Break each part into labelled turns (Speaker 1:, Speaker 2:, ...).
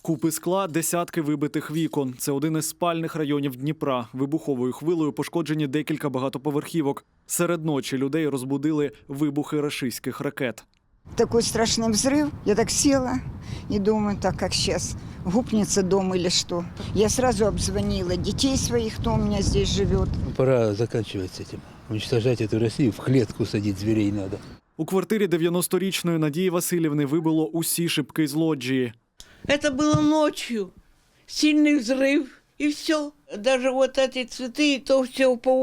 Speaker 1: Купи скла, десятки вибитих вікон. Це один із спальних районів Дніпра. Вибуховою хвилею пошкоджені декілька багатоповерхівок. Серед ночі людей розбудили вибухи рашистських ракет.
Speaker 2: Такой страшный взрыв. Я так села и думаю, так как сейчас гупнется дом или что. Я сразу обзвонила детей своих, кто у меня здесь живет.
Speaker 3: Пора заканчивать с этим. Уничтожать эту Россию, в клетку садить зверей надо.
Speaker 1: У квартирі 90-річної Надії Васильівни вибило усі шибки з лоджії.
Speaker 4: Это было ночью. Сильный взрыв, и все. Даже вот эти цветы, то все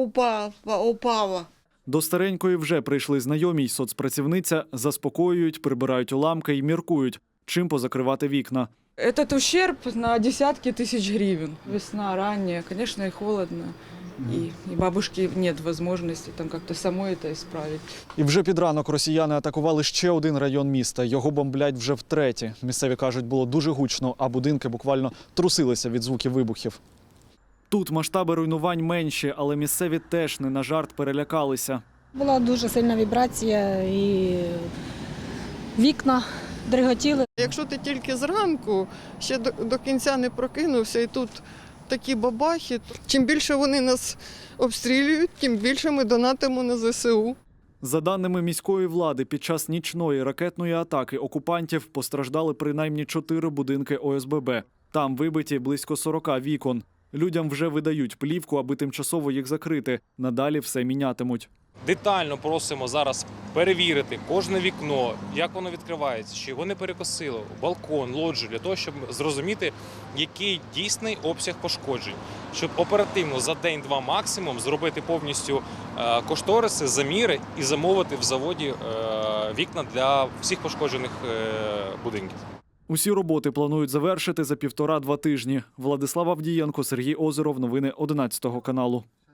Speaker 4: упало.
Speaker 1: До старенької вже прийшли знайомі й соцпрацівниця, заспокоюють, прибирають уламки і міркують, чим позакривати вікна.
Speaker 5: Этот ущерб на десятки тысяч гривен. Весна ранняя, конечно, и холодно. И бабушки нет возможности там как-то самой это исправить.
Speaker 1: І вже під ранок росіяни атакували ще один район міста. Його бомблять вже втретє. Місцеві кажуть, було дуже гучно, а будинки буквально трусилися від звуків вибухів. Тут масштаби руйнувань менші, але місцеві теж не на жарт перелякалися.
Speaker 6: Була дуже сильна вібрація і вікна дриготіли.
Speaker 7: Якщо ти тільки зранку, ще до кінця не прокинувся, і тут такі бабахи, чим більше вони нас обстрілюють, тим більше ми донатимо на ЗСУ.
Speaker 1: За даними міської влади, під час нічної ракетної атаки окупантів постраждали принаймні 4 будинки ОСББ. Там вибиті близько 40 вікон. Людям вже видають плівку, аби тимчасово їх закрити. Надалі все мінятимуть.
Speaker 8: Детально просимо зараз перевірити кожне вікно, як воно відкривається, чи його не перекосило, балкон, лоджію, для того, щоб зрозуміти, який дійсний обсяг пошкоджень. Щоб оперативно за день-два максимум зробити повністю кошториси, заміри і замовити в заводі вікна для всіх пошкоджених будинків.
Speaker 1: Усі роботи планують завершити за 1,5-2 тижні. Владислав Авдієнко, Сергій Озеров. Новини 11 каналу.